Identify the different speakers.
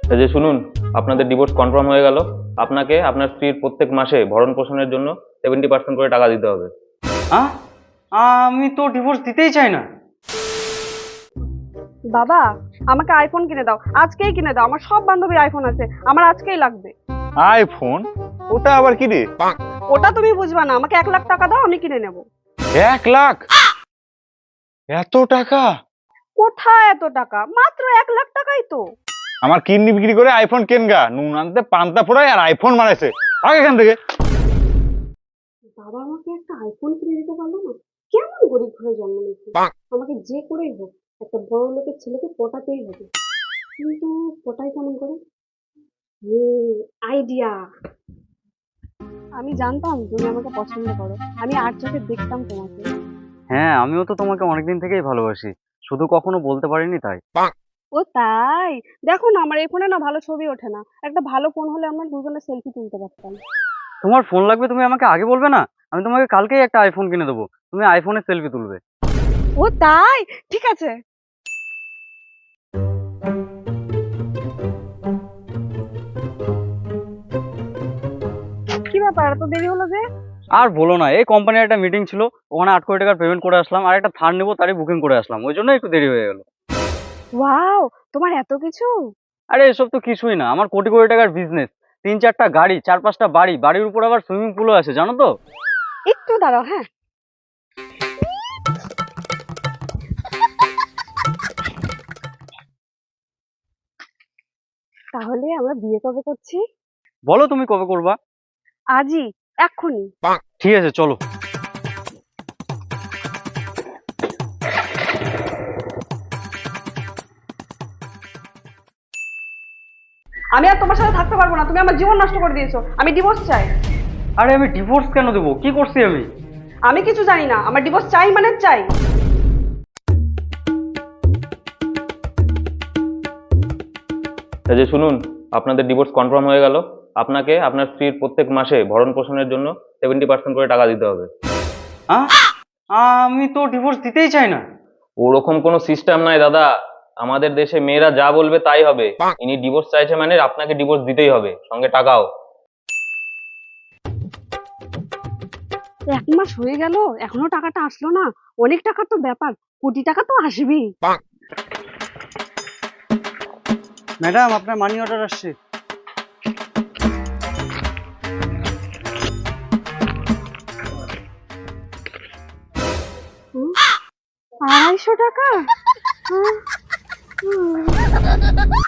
Speaker 1: এই যে শুনুন, আপনাদের ডিভোর্স কনফার্ম হয়ে গেল। আপনাকে আপনার স্ত্রীর প্রত্যেক মাসে ভরণ পোষণের জন্য 70% করে টাকা দিতে হবে।
Speaker 2: হ্যাঁ, আমি তো ডিভোর্স দিতেই চাই না।
Speaker 3: বাবা, আমাকে আইফোন কিনে দাও, আজকেই কিনে দাও। আমার সব বান্ধবীর আইফোন আছে, আমার আজকেই লাগবে।
Speaker 4: আইফোন? ওটা আবার কি রে?
Speaker 3: ওটা তুমি বুঝবা না, আমাকে 1 লাখ টাকা দাও, আমি কিনে নেব।
Speaker 4: 1 লাখ? এত টাকা?
Speaker 3: কোথায় এত টাকা? মাত্র 1 লাখ টাকাই তো।
Speaker 4: আমার কিডনি বিক্রি করে আইফোন কেনগা, নুন আনতে পান্তা ফোড়ায় আর আইফোন মারাইছে। আগে এখান থেকে।
Speaker 3: বাবা আমাকে একটা আইফোন কিনে দিতে পারলো না? কেমন গরিব ঘরে জন্ম নিয়েছি। আমাকে যে করেই হোক একটা বড় লোকের ছেলেকে পটাতেই হবে। কিন্তু পটাই কেমন করে? আইডিয়া! আমি জানতাম তুমি আমাকে পছন্দ করো, আমি আর চোখে দেখতাম তোমাকে।
Speaker 2: হ্যাঁ, আমিও তো তোমাকে অনেকদিন থেকেই ভালোবাসি, শুধু কখনো বলতে পারিনি তাই।
Speaker 3: ও তাই? দেখো না, আমার এই ফোনে না ভালো ছবি ওঠে না। একটা ভালো ফোন হলে আমরা দুজনে সেলফি তুলতে পারতাম।
Speaker 2: তোমার ফোন লাগবে, তুমি আমাকে আগে বলবে না? আমি তোমাকে কালকেই একটা আইফোন কিনে দেবো, তুমি আইফোনে সেলফি তুলবে।
Speaker 3: ও তাই? ঠিক আছে। কি ব্যাপার, এত দেরি হলো যে?
Speaker 2: আর বলো না, এই কোম্পানির একটা মিটিং ছিল, ওখানে 8 কোটি টাকার পেমেন্ট করে আসলাম, আর একটা থার নেবো তারই বুকিং করে আসলাম, ওই জন্য একটু দেরি হয়ে গেল।
Speaker 3: ওয়াও, তোমার এত কিছু!
Speaker 2: আরে এসব তো কিছুই না, আমার কোটি কোটি টাকার বিজনেস, 3-4টা গাড়ি, 4-5টা বাড়ি, বাড়ির উপর আবার সুইমিং পুলও আছে, জানো তো।
Speaker 3: একটু দাঁড়াও, হ্যাঁ। তাহলে আমরা বিয়ে কবে করছি?
Speaker 2: বলো তুমি কবে করবা?
Speaker 3: আজই, এক্ষুনি।
Speaker 2: ঠিক আছে, চলো।
Speaker 3: আমি আর তোমার সাথে থাকতে পারবো না, তুমি আমার জীবন নষ্ট করে দিয়েছো। আমি ডিভোর্স চাই।
Speaker 2: আরে আমি ডিভোর্স কেন দেবো? কি করছি আমি?
Speaker 3: আমি কিছু জানি না, আমার ডিভোর্স চাই মানে চাই।
Speaker 1: এই যে শুনুন, আপনাদের ডিভোর্স কনফার্ম হয়ে গেল। আপনাকে আপনার স্ত্রীর প্রত্যেক মাসে ভরণ পোষণের জন্য 70% করে টাকা দিতে হবে।
Speaker 2: হ্যাঁ, আমি তো ডিভোর্স দিতেই চাই না।
Speaker 1: ওরকম কোনো সিস্টেম নাই দাদা। আমাদের দেশে মেয়েরা যা বলবে তাই হবে। ইনি ডিভোর্স চাইছে মানে আপনাকে ডিভোর্স দিতেই হবে, সঙ্গে টাকাও।
Speaker 3: 1 মাস হয়ে গেল, এখনো টাকাটা আসলো না। অনেক টাকার তো ব্যাপার, কোটি টাকা তো আসবেই।
Speaker 2: ম্যাডাম, আপনার মানি অর্ডার আসছে।
Speaker 3: হুম, 250 টাকা?